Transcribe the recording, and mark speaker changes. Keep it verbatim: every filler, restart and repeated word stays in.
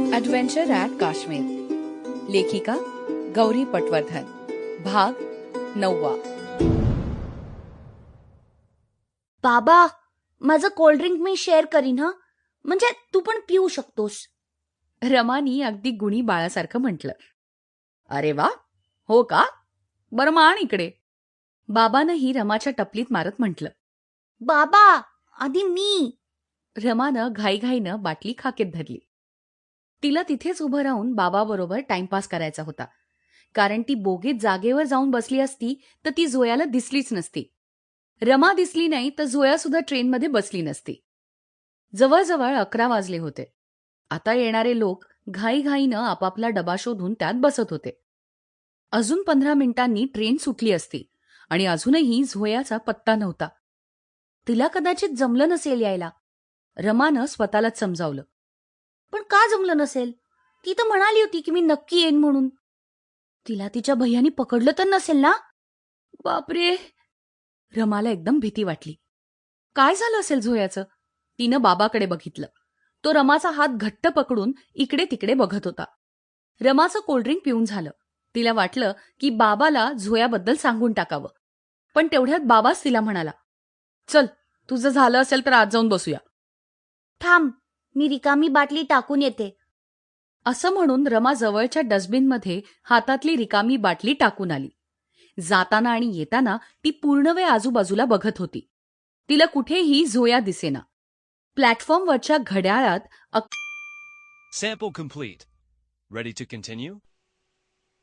Speaker 1: Adventure at Kashmir. लेखिका गौरी पटवर्धन. भाग नववा.
Speaker 2: बाबा, माझं कोल्ड्रिंक मी शेअर करीन हं, म्हणजे तू पण पिऊ शकतोस.
Speaker 1: रमानी अगदी गुणी बाळासारखं म्हटलं. अरे वा, हो का, बरं मान इकडे. बाबानंही रमाच्या टपलीत मारत म्हटलं.
Speaker 2: बाबा, आधी मी.
Speaker 1: रमानं घाईघाईनं बाटली खाकेत धरली. तिला तिथेच उभं राहून बाबाबरोबर टाइमपास करायचा होता, कारण ती बोगीत जागेवर जाऊन बसली असती तर ती जोयाला दिसलीच नसती. रमा दिसली नाही तर जोया सुद्धा ट्रेनमध्ये बसली नसती. जवळजवळ अकरा वाजले होते. आता येणारे लोक घाईघाईनं आपापला डबा शोधून त्यात बसत होते. अजून पंधरा मिनिटांनी ट्रेन सुटली असती आणि अजूनही झोयाचा पत्ता नव्हता. तिला कदाचित जमलं नसेल यायला. रमानं स्वतःलाच समजावलं.
Speaker 2: पण का जमलं नसेल? ती तर म्हणाली होती की मी नक्की येईन म्हणून. तिला तिच्या भैयानी पकडलं तर नसेल ना?
Speaker 1: बापरे, रमाला एकदम भीती वाटली. काय झालं असेल झोयाचं? तिनं बाबाकडे बघितलं. तो रमाचा हात घट्ट पकडून इकडे तिकडे बघत होता. रमाचं कोल्ड्रिंक पिऊन झालं. तिला वाटलं की बाबाला झोयाबद्दल सांगून टाकावं. पण तेवढ्यात बाबाच तिला म्हणाला, चल, तुझं झालं असेल तर आज जाऊन बसूया.
Speaker 2: थांब, मी रिकामी बाटली टाकून येते.
Speaker 1: असं म्हणून रमा जवळच्या डस्टबिनमध्ये हातातली रिकामी बाटली टाकून आली. जाताना आणि येताना ती पूर्ण वेळ आजूबाजूला बघत होती. तिला कुठेही झोया दिसेना. प्लॅटफॉर्मवरच्या घड्याळात
Speaker 3: Sample complete. Ready to continue?